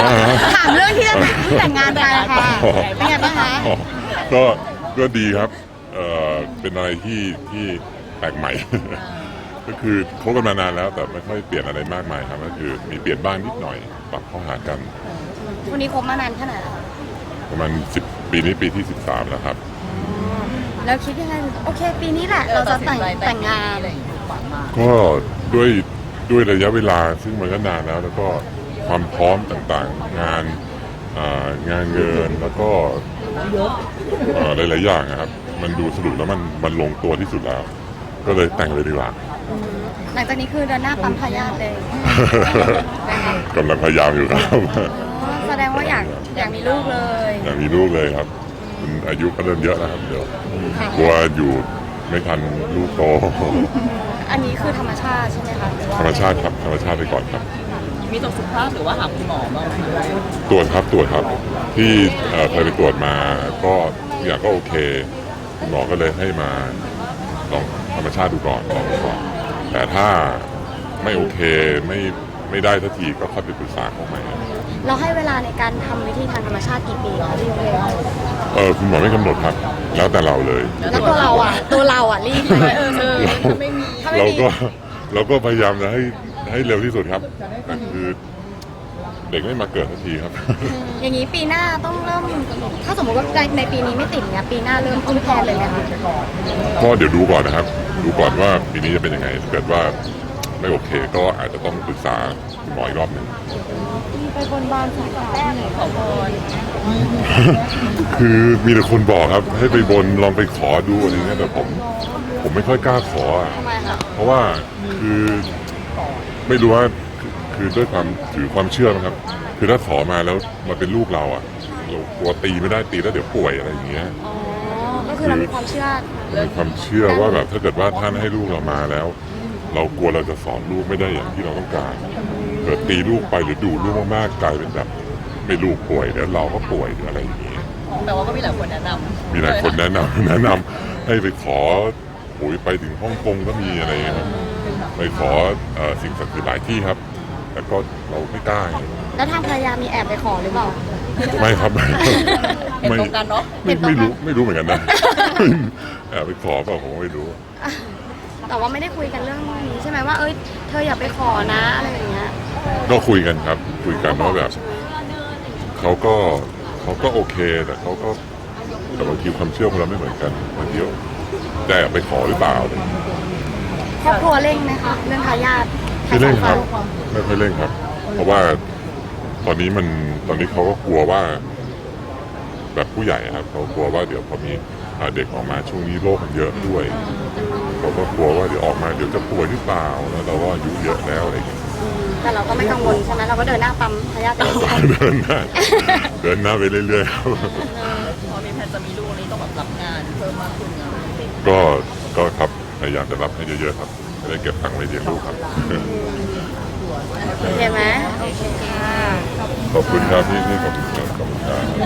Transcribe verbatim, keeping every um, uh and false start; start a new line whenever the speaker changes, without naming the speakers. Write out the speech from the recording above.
ถามเรื่องที่จะแต่งงานไปอะค่ะเป็นไงบ้างคะ
ก็ก็ดีครับเอ่อเป็นอะไรที่ที่แปลกใหม่ ก็คือคบกันมานานแล้วแต่ไม่ค่อยเปลี่ยนอะไรมากมายครับก็คือมีเปลี่ยนบ้างนิดหน่อยปรับเข้าหากัน
วันนี้คบมานานแค่ไหนแล้วคะ
ประมาณสิบปีนี้ปีที่สิบสามแล้วครับ
แล้วคิดยังไงโอเค ปีนี้แหละเราจะแต่งแต่งงาน
ก็ด้วยด้วยระยะเวลาซึ่งมันก็นานแล้ว แล้วก็ความพร้อมต่างๆ งานอ่างานเงินแล้วก็เอ่อหลายๆอย่างนะครับ มันดูสรุปแล้วมันมันลงตัวที่สุดแล้ว ก็เลยแต่งเลยดีกว่า
หลังจากนี้คือเดินหน้าปั๊มทายาทเลย
กำลังพยายามอยู่ครับ
แสดงว่าอยากอยากมีลูกเลย
อยากมีลูกเลยครับคุณอายุก็เริ่มเยอะแล้วครับเดี๋ยวกลัวอยู่ไม่ทันลูกโต
อันนี้คือธรรมชาติใช่ไหมคะหรือว่า
ธรรมชาติครับธรรมชาติไปก่อนครับ
มีตรวจสุขภาพหรือว่าหาคุณหมอบ้างไหม
ตรวจครับตรวจครับที่เอ่อเคยไปตรวจมาก็ทุกอย่างก็โอเคคุณหมอก็เลยให้มาลองธรรมชาติดูก่อนลองดูก่อนแต่ถ้าไม่โอเคไม่ไม่ได้สักทีก็ค่อยไปปรึกษาเขาใหม่
เราให้เวลาในการทำวิธีทางธรรมชาติกี่ปีคะพี่เว
เออคุณหมอไม่กำหนดครับ แล้วแต่เราเลย
แล้วตัวเราอ่ะ ตัวเราอ่ะรีบไหมเออเออ
ถ้าไม่มี
ถ้าไม่
เรา
มี
ก็เราก็พยายามจะให้ให้เร็วที่สุดครับแต่คือเด็กไม่มาเกิดสักทีครับ
อย่างนี้ปีหน้าต้องเริ่ม ถ้าสมมติว่าในในปีนี้ไม่ติดเนี่ยปีหน้าเริ่มต้นแพลนเลยไหมคะ
ก็เดี๋ยวดูก่อนนะครับ ดูก่อนว่าปีนี้จะเป็นยังไงถ้าเกิดว่าไม่โอเคก็อาจจะต้องปรึกษาคุณหมออีกรอบหนึ่ง
ไปบนบานสารแป้ง
ขอพร
คือมีแต่คนบอกครับ ให้ไปบนลองไปขอดูอะไรเงี้ยแต่ผม ผมไม่ค่อยกล้าขออะ
ทำไมคะ
เพราะว่าคือไม่รู้ว่าคือคือด้วยความถือความเชื่อนะครับ คือถ้าขอมาแล้วมาเป็นลูกเราอ่ะเรากลัวตีไม่ได้ตีแล้วเดี๋ยวป่วยอะไรอย่างเงี้ย
อ๋อ ก็คือเรามีความเชื่อ
มันมีความเชื่อว่าแบบถ้าเกิดว่าท่านให้ลูกเรามาแล้ว เรากลัวเราจะสอนลูกไม่ได้อย่างที่เราต้องการเกิดตีลูกไปหรือดูลูกมากๆกลายเป็นแบบไม่ลูกป่วยแล้วเราก็ป่วยหรืออะไรอย่างเงี้ย
แต่ว่าก็มีหลายคนแนะนำ
มีหลายคนแนะนำ แนะนำให้ไปขอโอ้ยไปถึงฮ่องกงก็มีอะไรเงี้ยครับไปขอเอ่อสิ่งศักดิ์สิทธิ์หลายที่ครับ แต่ก็เราไม่กล้า
แล้วทางภรรยามีแอบไปขอหรือเปล่า
ไม่ครับ ไม่
เห็นตรงกันเนาะ
ไม่ไม่รู้ไม่รู้เหมือนกันนะ แอบไปขอเปล่าผมก็ไม่รู้
แต่ว่าไม่ได้คุยกันเรื่องนี้ใช่ไหมว่า เอ้ย เธออย่าไปขอนะอะไรอย่างเงี้ย
ก็คุยกันครับ คุยกันว่าแบบเขาก็เขาก็โอเคแต่เขาก็แต่บางทีความเชื่อของเราไม่เหมือนกันบางทีได้แอบไปขอหรือเปล่าอะไรอย่างเงี้ย
ครอบครัวเร่งไหมคะเรื่องทายาท
ไม่เร่งครับไม่ค่อยเร่งครับ เพราะว่าตอนนี้มันตอนนี้เขาก็กลัวว่า แบบผู้ใหญ่ครับเขากลัวว่าเดี๋ยวพอมีอ่าเด็กออกมาช่วงนี้โรคมันเยอะด้วยเขาก็กลัวว่าเดี๋ยวออกมาเดี๋ยวจะป่วยหรือเปล่าแล้วเราก็อายุเยอะแล้วอะไรอย่างเงี้ย
แต่เราก็ไม่กังวลใช่ไหมเราก็เดินหน้าปั๊มทายาทไปเรื่อย
เดินหน้าเดินหน้าไปเรื่อยๆครับ
พอมีแผนจะมีลูกนี้ต้องแบบรับงานเพิ่มมากขึ้นนะ
ก็ก็ครับพยายามจะรับให้เยอะๆครับจะได้เก็บตังค์ไว้เลี้ยงลูกครับ
ๆโอเคไหมโอเคค่ะ
ขอบคุณครับพี่ที่ขอบคุณครับขอบคุณครับ